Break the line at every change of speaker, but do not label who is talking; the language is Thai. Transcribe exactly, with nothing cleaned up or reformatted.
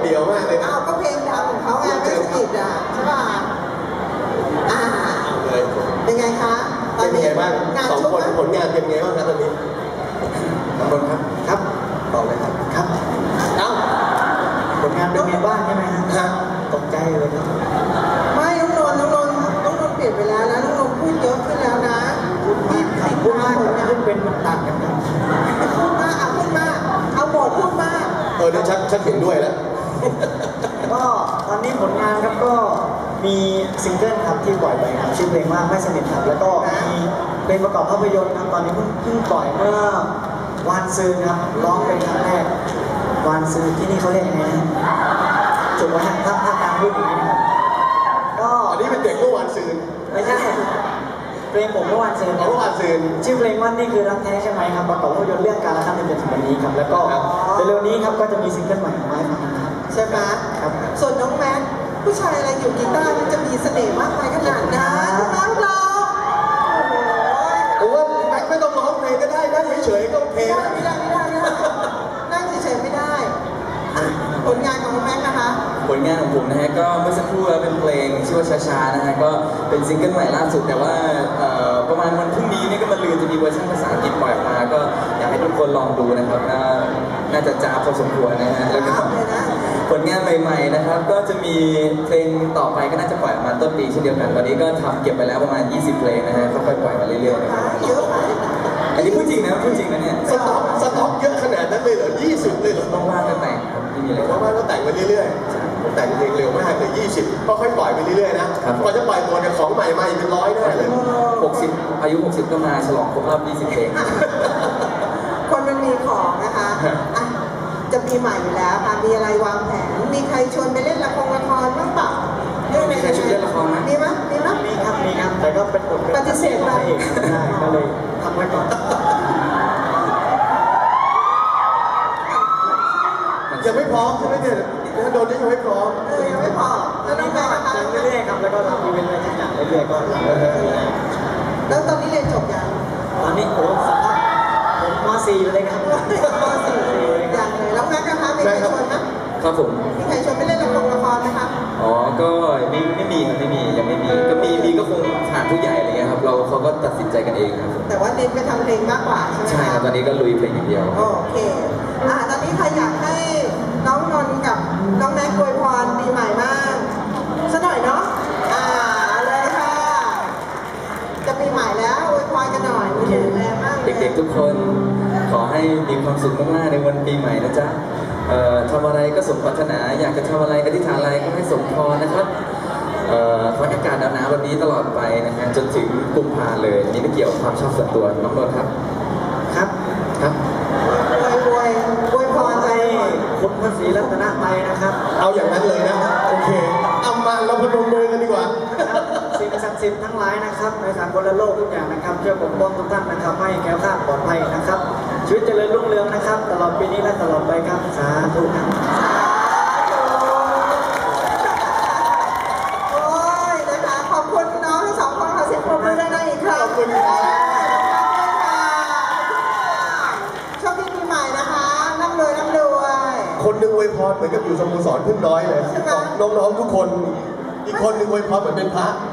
เดี่ยวมากเลยนะ
อ้าวก็เพลงดังของเขาไงไม่สกิดอ่ะใช่ป่ะอ่าเป็นไงคะ
เป็นยังไงบ้างสองคนผลงานเป็นยังไงบ้างครับตอนนี้ตำรวจครับครับตอบเลยครับครับเอ้าผลงานเป็นไงบ้างใช่ไหมครับตกใจเลยครับ
ไม่น้องนนท์น้องนนท์น้องนนท์เปลี่ยนไปแล้วนะน้องนนท์พูดเยอะขึ้นแล้วนะ
พูดมากพูดมากพูดเป็นมันต่างกันครับ
พูดมากเอาพูดมากเอาหมดพูดมาก
เออเดี๋ยวชักชักเห็นด้วยแล้ว
ก็ตอนนี้ผลงานครับก็มีซิงเกิลครับที่ปล่อยไปครับชื่อเพลงว่าไม่สนิทครับแล้วก็มีเพลงประกอบภาพยนตร์ครับตอนนี้เพิ่งเพิ่งปล่อยเมื่อวานซืนครับร้องเป็นครั้งแรกวานซืนที่นี่เขาเรียกยังไงนะจุดว่าถ้าถ้าการพูดอย่างนี้นะครับ
ก็อันนี้เป็นเด็กเมื่อวานซืน
ไม่ใช่เพลงผมเมื่อวานซืน
เมื่อวานซืน
ชื่อเพลงว่านี่คือรักแท้ใช่ไหมครับประกอบภาพยนตร์เรื่องการละครั้งหนึ่งจนถึงวันนี้ครับแล้วก็เร็วๆนี้ครับก็จะมีซิงเกิลใหม่ออกมาครับ
ใช่ไหม
ครับ
ส่วนน้องแม็กผู้ชายอะไรอยู่กีตาร์มันจะมีเสน่ห์มากมายขนาดนั้นน้องเรา
โอ้โหแม็กไม่ต้องร้องเพลงก็ได้นั่งเฉยๆก็โอเค
ไม่ได้ไม่ได้ไม่ได้นั่งเฉยๆไม่ได้ผลงานของน้องแม็กนะคะ
ผลงานของผมนะฮะก็เมื่อสักครู่เป็นเพลงชื่อว่าช้าๆนะฮะก็เป็นซิงเกิลใหม่ล่าสุดแต่ว่าประมาณวันพรุ่งนี้นี่ก็มาลือจะมีเวอร์ชันภาษาอังกฤษปล่อยมาก็อยากให้ทุกคนลองดูนะครับน่าจะจ้าพอสมควรนะฮะแล้วก็ผลงานใหม่ๆนะครับก็จะมีเพลงต่อไปก็น่าจะปล่อยมาต้นปีเช่นเดียวกันตอนนี้ก็ทำเก็บไปแล้วประมาณยี่สิบเพลงนะฮะค่อยๆปล่อยมาเรื่อยๆนะครับอันนี้พูดจริงนะพูดจริงนะเนี่ย
สต็อกสต็อกเยอะขนาดนั้นเลยเหรอยี่สิบเลยเหรอ
ว่างๆก็แต่งครับไม่มีอะไร
ว่างๆก็แต่งไปเรื่อยๆแต่งเพลงเร็วมากเลยยี่สิบก็ค่อยปล่อยไปเรื่อยๆนะพอจะปล่อยตัวเนี่ยของใหม่มาอีกเป็นร้อยแน่เลย
หกสิบอายุหกสิบก็มาฉลองครบรอบยี่สิบเพลง
คนมันมีของนะคะจะปีใหม่อยู่แล้วค่ะมีอะไรวางแผนมีใครชวนไปเล่นละครละครบ้างเปล่า
เรื่องมีใครชวนเล่นละครไหม
มีไหมมีไหม
มีครับมีครับแต่ก็เป็นบท
ปฏิเสธไป
ได้ก็เลยทำไว้ก่อน
ยังไม่พร้อมใช่ไหมเนี่ยโดนนี่ยังไม่พร้อม
เออยังไม่พร้อมแล้วน้องแม่นะคะ
เรื่อยๆครับแล้วก็ทำอีเวนต์อะไรต่างๆเรื่อยๆก็
แล้วตอนนี้เรียนจบยัง
ตอนนี้โอ้สัมภาษณ์ผมม.สี่ เลยครับ
ม.สี่ อย่างเลยแล้วแม่นะคะมีใครชวนไหม
ครับผม
มีใครชวนไปเล่นละครละครไหมคะ
อ๋อก็ไม่ไม่มีครับไม่มียังไม่มีก็มีมีก็คงผ่านผู้ใหญ่อะไรเงี้ยครับเราเขาก็ตัดสินใจกันเองครับ
แต่ว่าเน้นไปทำเพลงมากกว่าใช่ไหม
ใช่ครับตอนนี้ก็ลุยเพลงอย่างเดียว
โอเคอ่าตอนนี้ใครอยากให้น้องนนท์กับน้องแม็กอวยพรปีใหม่มากสักหน่อยเนาะอ่าเลยค่ะจะปีใหม่แล้วอวยพรกันหน่อยมีถึงแรงมาก
เด็กๆทุกคนขอให้มีความสุขมากๆในวันปีใหม่นะจ๊ะเอ่อทำอะไรก็สมปรารถนาอยากจะทำอะไรอธิษฐานอะไรก็ให้สมพรนะครับเอ่อขออากาศหนาวๆแบบนี้ตลอดไปนะฮะจนถึงกุมภาเลยนี่ไม่เกี่ยวกับความชอบส่วนตัวน้องนนท์ครับ
ครับ
ครับ
อวยอวยอวยพรใจ
คุณพระศรีรัตนตรัยนะครับ
เอาอย่างนั้นเลยนะโอเคเอามาเราพนมมือกันดีกว่า
สิ่งศักดิ์สิทธิ์ทั้งหลายนะครับในสากลโลกทุกอย่างนะครับช่วยปกป้องทุกท่านนะครับให้แก้วคลาดปลอดภัยนะครับชีวิตเจริญรุ่งเรืองนะครับตลอดปีนี้และตลอดไปครับสาธุครับ
โอ้ยนะคะขอบคุณน้องทั้งสองคนขอเสียงปรบมือได้อีกครั้ง
ขอบคุณครับ
โชคดีปีใหม่นะคะร่ำรวยร่ำรวย
คนหนึ่งอวยพรเหมือนกับอยู่สโมสรพึ่งน้อยเลยน้องๆทุกคนอีกคนหนึ่งอวยพรเหมือนเป็นพระ